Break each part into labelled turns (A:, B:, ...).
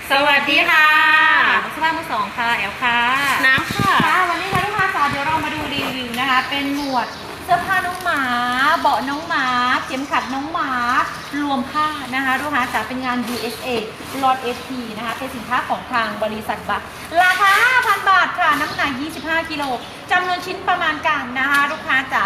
A: สวัสดีค่ะสภาพมือสองค่ะแอลค่ะ
B: น้ำค่ะ
A: วันนี้ค่ะลูกค้าจ๋าเดี๋ยวเรามาดูรีวิวนะคะเป็นหมวดเสื้อผ้าน้องหมาเบาะน้องหมาเข็มขัดน้องหมารวมผ้านะคะลูกค้าจ๋าเป็นงาน USA ลอต SP นะคะเป็นสินค้าของทางบริษัทบัคราคา 5,000 บาทค่ะน้ำหนัก25 กิโลจำนวนชิ้นประมาณการนะคะลูกค้าจ๋า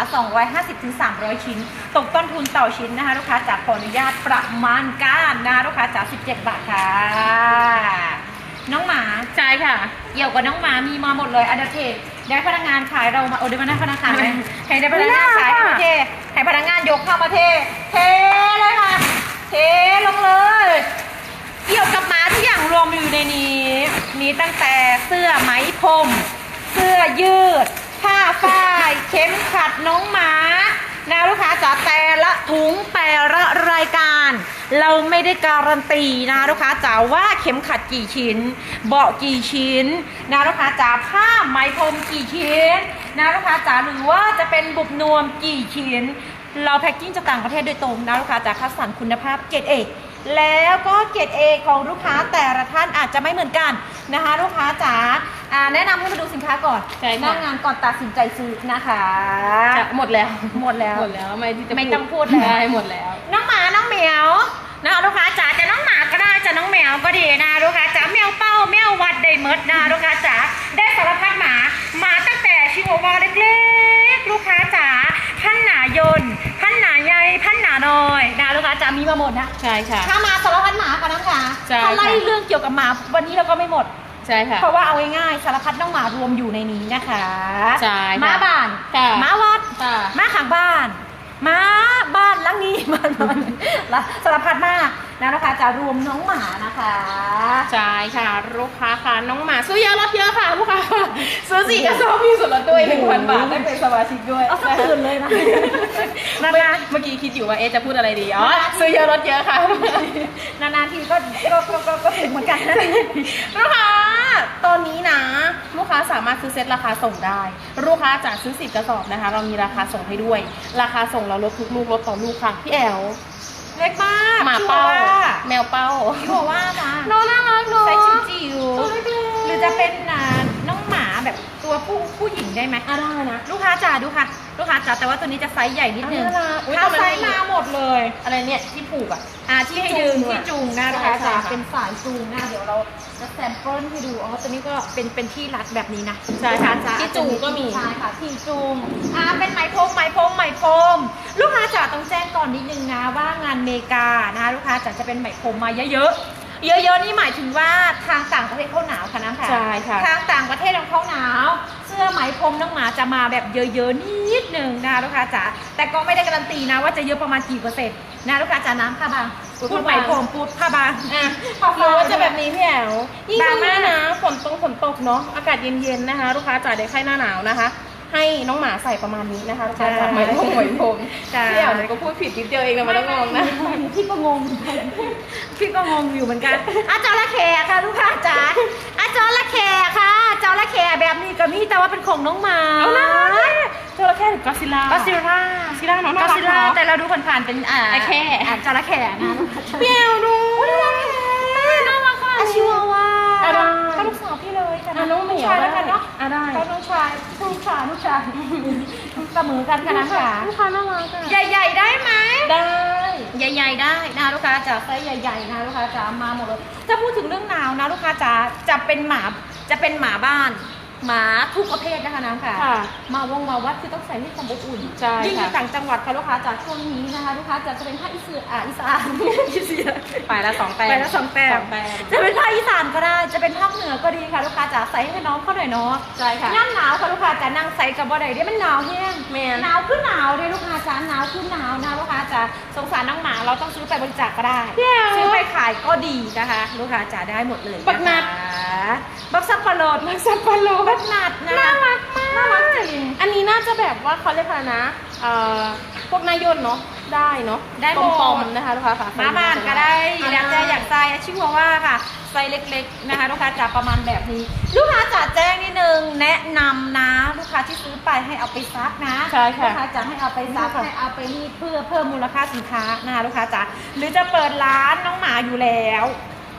A: 250-300 ชิ้นตกต้นทุนต่อชิ้นนะคะลูกค้าจ๋าขออนุญาตประมาณการนะคะลูกค้าจ๋า17 บาทค่ะน้องหมา
B: ใช่ค่ะ
A: เกี่ยวกับน้องหมามีมาหมดเลยอันดับเทได้พนักงานขายเรามาได้พนักงานขายไหมให้ได้พนักงานขายมาเทให้พนักงานยกเข้ามาเทเลยค่ะเทลงเลยเกี่ยวกับหมาทุกอย่างรวมอยู่ในนี้มีตั้งแต่เสื้อไหมพรมเสื้อยืดผ้าฝ้ายเข็มขัดน้องหมานะลูกค้าจ๋าแต่ละถุงแต่ละรายการเราไม่ได้การันตีนะลูกค้าจ๋าว่าเข็มขัดกี่ชิ้นเบาะกี่ชิ้นนะลูกค้าจ๋าผ้าไหมพรมกี่ชิ้นนะลูกค้าจ๋าหรือว่าจะเป็นบุบนวมกี่ชิ้นเราแพ็คกิ้งจากต่างประเทศโดยตรงนะลูกค้าจ๋าคัดสรรคุณภาพเกรดเอแล้วก็เกรดเอของลูกค้าแต่ละท่านอาจจะไม่เหมือนกันนะคะลูกค้าจ๋าแนะนำให้มาดูสินค้าก่อนหน้างานก่อนตัดสินใจซื้อนะคะ
B: หมดแล้ว
A: ไม่ต้องพูดแล้ว
B: หมดแล้ว
A: น้องหมาน้องเหมียวนะคะลูกค้าจ๋าจะน้องหมาก็ได้จะน้องแมวก็ดีนะลูกค้าจ๋าแมวเป้าแมววัดได้เมดนะลูกค้าจ๋าได้สารพัดหมาตั้งแต่ชิวาวาเล็กๆลูกค้าจ๋าพันหนายนพันหนาใหญ่พันหนาน้อยนะลูกค้าจ๋ามีมาหมดนะ
B: ใช่ค่ะ
A: ถ้ามาสารพัดหมาค่ะน้องค่ะถ้าไล่เรื่องเกี่ยวกับหมาวันนี้เราก็ไม่หมด
B: ใช่ค่ะ
A: เพราะว่าเอาง่ายๆสารพัดน้องหมารวมอยู่ในนี้นะคะ
B: ใช่
A: ม้าบ้านม้าวัดม้าข้างบ้านม้าบ้านลังนี้มันสารพัดมากนะลูกค้าจะรวมน้องหมานะคะ
B: ใช่ค่ะลูกค้าค่ะน้องหมาซื้อเยอะลดเยอะค่ะลูกค้าซื้อ4 กระสอบมีส่วนลดด้วย 1,000 บาทได้เป็นสมาชิกด้วย
A: เอาสักตื่นเลยนะ
B: เมื่อกี้คิดอยู่ว่าจะพูดอะไรดีซื้อเยอะลดเยอะค่ะ
A: นานๆทีก็ถึงเหมือนกัน
B: ลูกค้าตอนนี้นะลูกค้าสามารถซื้อเซ็ตราคาส่งได้ลูกค้าจะซื้อ10 กระสอบนะคะเรามีราคาส่งให้ด้วยราคาส่งเราลดทุกลูกลดต่อลูกค่ะพี่แอล
A: เล็กมาก
B: หมาเป้าแมวเป้า
A: พี่บอกว่าจ้า
B: น้องน่ารักเนาะ
A: ใส่จิ๋วหรือจะเป็นน้องหมาแบบตัวผู้หญิงได้ไหม
B: ได้นะ
A: ลูกค้าจ๋าดูค่ะลูกค้าจ๋าแต่ว่าตัวนี้จะไซส์ใหญ่นิดนึงถ้าไซส์มาหมดเลย
B: อะไรเนี่ยที่ผูก
A: ที่ให้ดึงที่จูงนะลูกค้าจ๋าเป็นสายจูงนะเดี๋ยวเราจะแซมเปิลให้ดูตัวนี้ก็เป็นที่รัดแบบนี้นะ
B: ใช่ค่ะที่จูงก็มี
A: ใช่ค่ะที่จูงเป็นไหมพรมลูกค้าจ๋าต้องแจ้งก่อนนิดนึงนะว่างานเมกานะคะลูกค้าจ๋าจะเป็นไหมพรมมาเยอะนี่หมายถึงว่าทางต่างประเทศเขาหนาวค่ะน้ำค่ะ
B: ใช่ค่ะ
A: ทางต่างประเทศเขาหนาวเสื้อไหมพรมน้องหมาจะมาแบบเยอะนิดนึงนะคะลูกค้าจ๋าแต่ก็ไม่ได้การันตีนะว่าจะเยอะประมาณกี่เปอร์เซ็นต์นะลูกค้าจ๋าน้ำผ้าบางพูดไหมพรมพูดผ้าบาง
B: หรือว่าจะแบบนี้พี่แอลยิ่งช่วงนี้นะฝนตกเนาะอากาศเย็นๆนะคะลูกค้าจ๋าได้ไข้หน้าหนาวนะคะให้น้องหมาใส่ประมาณนี้นะคะลูกค้าจ๋าไหมพรมพี่แอลเนี่ยก็พูดผิดนิดเดียวเองนะไม่ต้องงงนะ
A: พี่ก็งงอยู่เหมือนกันจระเข้ค่ะลูกค้าจ๋าจระเข้ค่ะจระเข้แบบนี้ก็มีแต่ว่าเป็นของน้องหมา
B: จระเข้หรือกอซิล่า
A: น้องกอซิล่าแต่เราดูผ่านๆเป็น
B: ไอแค่
A: จระเข้นะ
B: พี่แอลดู
A: น่ารักค่ะชิวาวาก็ลูกสาวพี่เลย
B: ค่ะน้องเหมียว
A: แล้วกันเนาะ
B: ได้
A: น้องชายเสมอกันค่ะน้ำขา
B: ลูกค้าน่ารัก
A: ใหญ่ๆได้ไหม
B: ได้
A: ใหญ่ๆได้นะลูกค้าจ๋าไซส์ใหญ่ๆนะลูกค้าจ๋ามาหมดเลยถ้าพูดถึงเรื่องหนาวนะลูกค้าจ๋าจะเป็นหมาบ้านหมาทุกประเภทนะคะน้ำค่ะมาวัดคือต้องใส่ให้ความอบอุ่นยิ่งอยู่ต่างจังหวัดค่ะลูกค้าจากช่วงนี้นะคะลูกค้าจะเป็นภาคอีสาน
B: ไปละ2 แปล
A: จะเป็นภาคอีสานก็ได้จะเป็นภาคเหนือก็ดีค่ะลูกค้าจ๋าใส่ให้น้องเขาหน่อยเนาะ
B: ใช่ค่ะ
A: ย่ำหนาวค่ะลูกค้าจ๋านั่งใส่กับบ่ได้เดี๋ยวมันหนาวแห้งหนาวคือหนาวเลยลูกค้าจ๋าหนาวคือหนาวนะลูกค้าจ๋าสงสารน้องหมาเราต้องซื้อไปบริจาคก็ได้ซื้อไปขายก็ดีนะคะลูกค้าจ๋าได้หมดเลย
B: บักนัด
A: บักซับปะโลดบักนัด
B: น่ารักมากน่ารักจริงอันนี้น่าจะแบบว่าเขาเรียกอะไรนะพวกนายนเนาะได้เนาะ
A: ได้
B: ปอมๆนะคะลูกค้าค่ะ
A: มาบ้านก็ได้แล้วแต่อยากใส่ชิวาว่าค่ะไซส์เล็กๆนะคะลูกค้าจ๋าประมาณแบบนี้ลูกค้าจ๋าแจ้งนิดนึงแนะนำนะลูกค้าที่ซื้อไปให้เอาไปซักนะลูกค้าจ๋าให้เอาไปซักให้เอาไปรีดเพื่อเพิ่มมูลค่าสินค้านะคะลูกค้าจ๋าหรือจะเปิดร้านน้องหมาอยู่แล้ว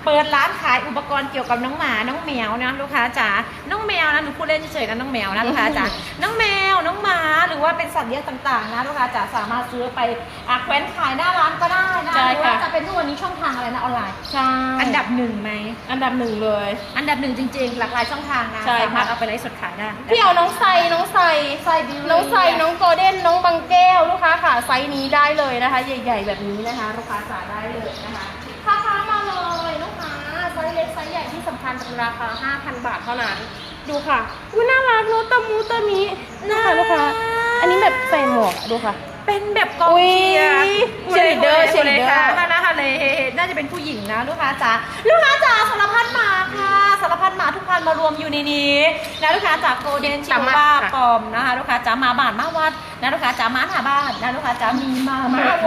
A: เปิดร้านขายอุปกรณ์เกี่ยวกับน้องหมาน้องแมวนะลูกค้าจ๋าน้องแมวนะหนูพูดเล่นเฉยๆนะน้องแมวนะลูกค้าจ๋าน้องแมวน้องหมาหรือว่าเป็นสัตว์เลี้ยงต่างๆนะลูกค้าจ๋าสามารถซื้อไปแขวนขายหน้าร้านก็ได้นะหรือว่าจะเป็นทุกวันนี้ช่องทางอะไรนะออนไลน์
B: ใช่
A: อันดับหนึ่งไหม
B: อันดับหนึ่งเลย
A: อันดับหนึ่งจริงๆหลากหลายช่องทางนะสามารถเอาไปไลฟ์สดขายได้
B: พี่เอาน้องไซน้องโกลเด้นน้องบางแก้วลูกค้าค่ะไซส์นี้ได้เลยนะคะใหญ่ๆแบบนี้นะคะลูกค้าจ๋าได้เลยนะคะค้ามาเลยลูกค้าไซส์เล็กไซส์ใหญ่ที่สำคัญเป็นราคา 5,000 บาทเท่านั้นดูค่ะอุ้ยน่ารักเนอะตะมูตะมิน่าลูกค้าอันนี้แบบใส่หมวกดูค่ะ
A: เป็นแบบกองเชียร์
B: เชียร์เดอร์
A: นะคะเลยน่าจะเป็นผู้หญิงนะลูกค้าจ๋าสารพัดหมาค่ะสารพัดหมาทุกพันมารวมอยู่ในนี้นะลูกค้าจ๋าโกลเด้นชิวาปอมนะคะลูกค้าจ๋ามาบ้านมาวัดนะลูกค้าจ๋ามาหน้าบ้านนะลูกค้าจ๋ามีมาโว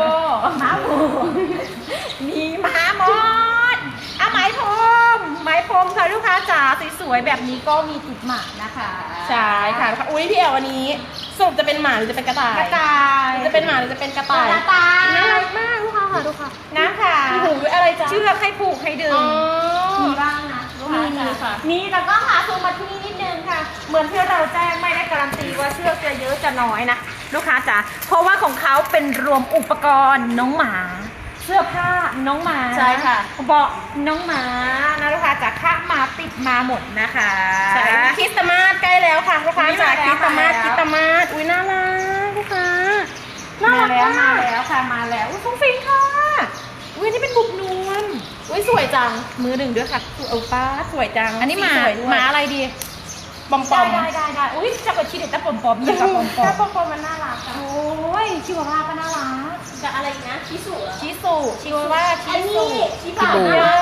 A: มีมาหมดไหมพรมค่ะลูกค้าจ๋าสวยๆแบบนี้ก็มีติดหมานะคะ
B: ใช่ค่ะอุ้ยพี่แอลวันนี้สรุปจะเป็นหมาหรือจะเป็นกระต่ายจะเป็นหมาหรือจะเป็นกระต่ายน่ารักมากลูกค้าค่ะดูค่ะ
A: นะค่ะ
B: มีหูด้วยอะไรจ๊ะ
A: เชือกให้ผูกให้ดึงมีบ้างนะลูกค้าค่ะมีแต่ก็หาซูมมาที่นี่นิดนึงค่ะเหมือนที่เราแจ้งไม่ได้การันตีว่าเชือกจะเยอะจะน้อยนะลูกค้าจ๋าเพราะว่าของเขาเป็นรวมอุปกรณ์น้องหมาเสื้อผ้าน้องหมา
B: ใช่ค่ะ
A: เบาะน้องหมานะลูกค้าจ๋าค่ามาติดมาหมดนะคะ
B: ใช่คริสต์มาสใกล้แล้วค่ะลูกค้าจ๋าคริสต์มาสอุ้ยน่ารักลูกค้า
A: มาแล้วค่ะมาแล้วฟุ้งฟิ้งค่ะอุ้ยนี่เป็นบุบนวล
B: อุ้ยสวยจัง
A: มือหนึ่งด้วยค่ะ
B: เอาป้าสวยจัง
A: อันนี้หมาอะไรดี
B: ปอม
A: ได้อุ้ยจะกดชีเด็ดแต่ปอมอย่างกับ
B: ปอมมันน่ารัก
A: โอ้ยชิวาว่าก็น่ารัก
B: กับอะไรนะชิสุ
A: ชิวาว่าชิบะ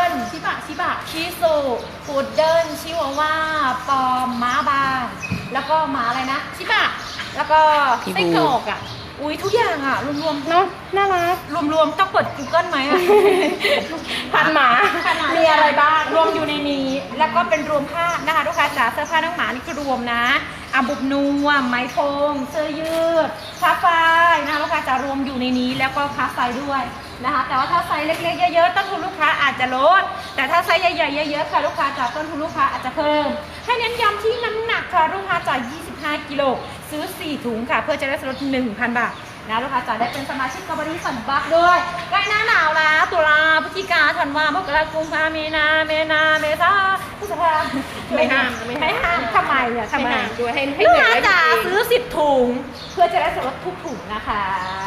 A: พุดเดิ้ลชิวาว่าปอมม้าบางแล้วก็หมาอะไรนะชิบะแล้วก็ไส้กรอกอ่ะอุ้ยทุกอย่างอ่ะรวม
B: ๆเนาะน่ารัก
A: รวมต้องเปิด Google ไหมอ่ะ
B: พันหมามีอะไรบ้าง
A: รวมอยู่ในนี้แล้วก็เป็นรวมผ้านะคะลูกค้าจ๋าเสื้อผ้าน้องหมานี่คือรวมนะบุบนัวไหมพรมเสื้อยืดผ้าฝ้ายนะคะลูกค้าจ๋ารวมอยู่ในนี้แล้วก็ผ้าไฟด้วยนะคะแต่ว่าถ้าไซส์เล็กๆเยอะๆต้นทุนลูกค้าอาจจะลดแต่ถ้าไซส์ใหญ่ๆเยอะๆค่ะลูกค้าจ๋าต้นทุนลูกค้าอาจจะเพิ่มให้เน้นย้ำที่น้ำหนักค่ะลูกค้าจ๋า25 กิโลซื้อ4 ถุงค่ะเพื่อจะได้ลด 1,000 บาทนะลูกค้าจ๋าได้เป็นสมาชิกกบฏสันบักด้วยใกล้หน้าหนาวแล้วตุลาพฤศจิกาธันวามกราคมกุมภามีนาเมษาพฤษภา
B: ไม่ห้าม
A: ทำไมเนี่ยทำไม
B: ด้วยให้
A: ลูกค้าจ๋าซื้อ10 ถุงเพื่อจะได้ลดทุกถุงนะคะ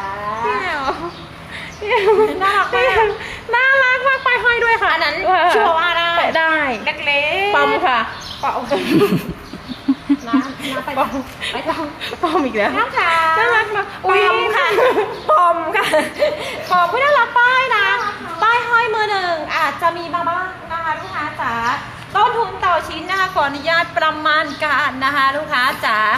B: น่ารักมากไปห้อยด้วยค่ะ
A: อันนั้นชัวร์ว่า
B: ได้
A: เล็ก
B: ๆปอมค่ะ
A: ปอมไป
B: ปอมอีกแล้ว
A: น่ารักมากปอมค่ะปอมไม่น่ารักป้ายนะป้ายห้อยมือหนึ่งอาจจะมีมาบ้างนะคะลูกค้าจ๋าต้นทุนต่อชิ้นนะคะขออนุญาตประมาณการนะคะลูกค้าจ๋า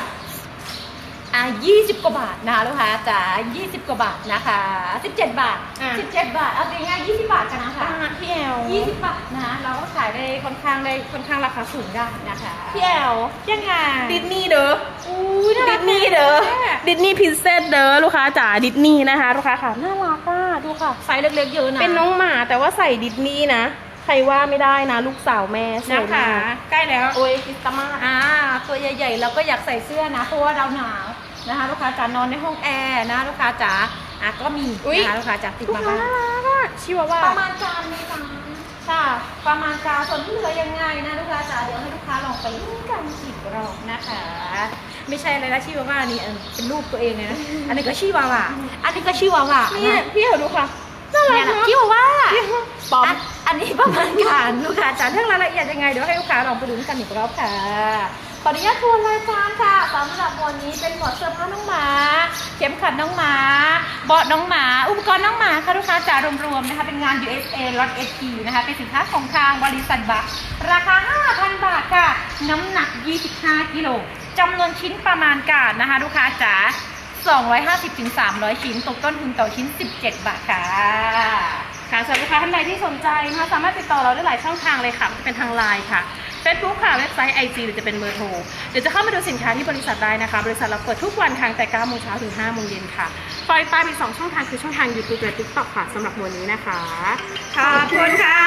A: 20 กว่าบาทนะคะลูกค้าจ๋า20 กว่าบาทนะคะ17 บาทเอาง่ายๆ20 บาทกันนะคะ
B: พี่แอล
A: 20 บาทนะเราก็ขายได้ค่อนข้างราคาสูงได้นะคะ
B: พี่แอล
A: ยังไง
B: ดิสนีย์เด้อดิสนีย์พรินเซสเด้อลูกค้าจ๋าดิสนีย์นะคะลูกค้าค่ะน่ารักดูค่ะ
A: ไซส์เล็กๆเยอะนะ
B: เป็นน้องหมาแต่ว่าใส่ดิสนีย์นะใครว่าไม่ได้นะลูกสาวแม่
A: นะคะใกล้แล้ว
B: โอ้ยคริสต์มาส
A: ตัวใหญ่ๆเราก็อยากใส่เสื้อนะเพราะว่าเราหนาวนะคะลูกค้าจ๋านอนในห้องแอร์นะลูกค้าจ๋าก็มีนะคะลูกค้าจ๋าติดมาบ้าง
B: ชิวาว่า
A: ประมาณการนี้ค่ะประมาณการส่วนที่เหลือยังไงนะลูกค้าจ๋าเดี๋ยวให้ลูกค้าลองไปลุ้นกันอีกรอบนะคะไม่ใช่อะไรนะชิวาว่านี่เป็นรูปตัวเองเลยนะอันนี้ก็ชิวาว่าอันนี้ก็ชิวาว่า
B: นี่พี่เอาดูค่ะน่ารักเนาะ
A: ชิวาว่า
B: ปอม
A: อันนี้ประมาณการลูกค้าจ๋าเรื่องรายละเอียดยังไงเดี๋ยวให้ลูกค้าลองไปลุ้นกันอีกรอบค่ะขออนุญาตทวนรายการค่ะสำหรับวันนี้เป็นหมวดเสื้อผ้าน้องหมาเข็มขัดน้องหมาเบาะน้องหมาอุปกรณ์น้องหมาค่ะลูกค้าจ๋ารวมๆนะคะเป็นงาน USA ล็อต SP นะคะเป็นสินค้าของทางบริษัทบัคราคา 5,000 บาทค่ะน้ำหนัก25 กิโลจำนวนชิ้นประมาณการนะคะลูกค้าจ๋า250-300 ชิ้นตกต้นทุนต่อชิ้น17 บาทค่ะ
B: สำหรับลูกค้าท่านใดที่สนใจนะคะสามารถติดต่อเราได้หลายช่องทางเลยค่ะจะเป็นทางไลน์ค่ะ Facebook ค่ะเว็บไซต์ IG หรือจะเป็นเบอร์โทรเดี๋ยวจะเข้ามาดูสินค้าที่บริษัทได้นะคะบริษัทเราเปิดทุกวันทางแต่ 9 โมงเช้าถึง 5 โมงเย็นค่ะปล่อยไปอีก2 ช่องทางคือช่องทาง YouTube และ TikTok ค่ะสำหรับวันนี้นะคะ
A: ขอบคุณค่ะ